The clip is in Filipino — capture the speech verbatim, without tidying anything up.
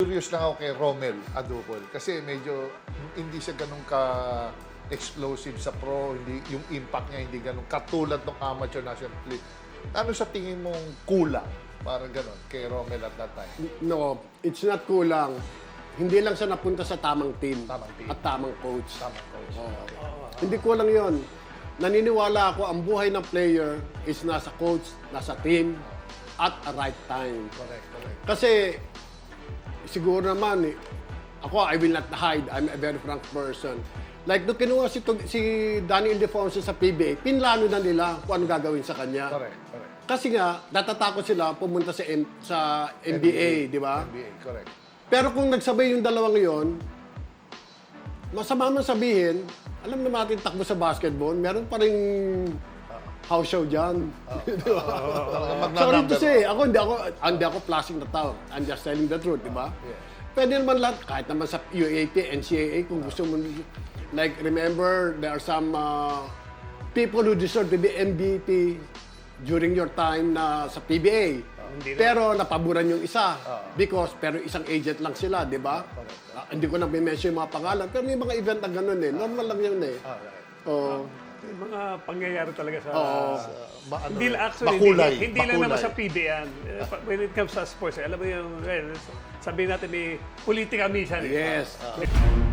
curious lang ako kay Romel Adupol kasi medyo hindi siya ganun ka explosive sa pro, hindi yung impact niya hindi ganun katulad ng amateur national league. Ano sa tingin mong kulang? Parang ganun kay Romel at that time. No, it's not kulang. Hindi lang siya napunta sa tamang team, Tamang team. at tamang coach. Tamang coach. Oo. Hindi kulang yon. Naniniwala ako ang buhay ng player is nasa coach, nasa team, at a right time. Correct, correct. Kasi siguro naman, eh, ako, I will not hide. I'm a very frank person. Like, nung kinuha si, si Danny Ildefonso sa P B A, pinlano na nila kung ano gagawin sa kanya. Correct, correct. Kasi nga, natatakot sila pumunta sa, M sa N B A, di ba? N B A, correct. Pero kung nagsabay yung dalawang yon, masama man sabihin, alam naman natin takbo sa basketball, meron pa rin house show dyan. Di ba? Sorry to say, ako hindi ako, hindi ako flashing the tao. I'm just telling the truth, di ba? Yeah. Pwede naman lahat, kahit naman sa U A P, N C A A, kung gusto mo. Like, remember, there are some uh, people who deserve to be M V P during your time na sa P B A. Hindi na. Pero napaboran yung isa. Because, pero isang agent lang sila, di ba? Ah, hindi ko na mention yung mga pangalan. Pero may mga event na ganun eh. Normal lang yun eh. Alright. Oh. May mga pangyayari talaga sa... Oo. Ma- ano Hindi eh, lang, actually, makulay, hindi, hindi lang makulay. naman sa P B A yan. Eh, pa- When it comes sa sports, eh, alam mo yung, well, sabihin natin, may politika minsan. eh. Yes.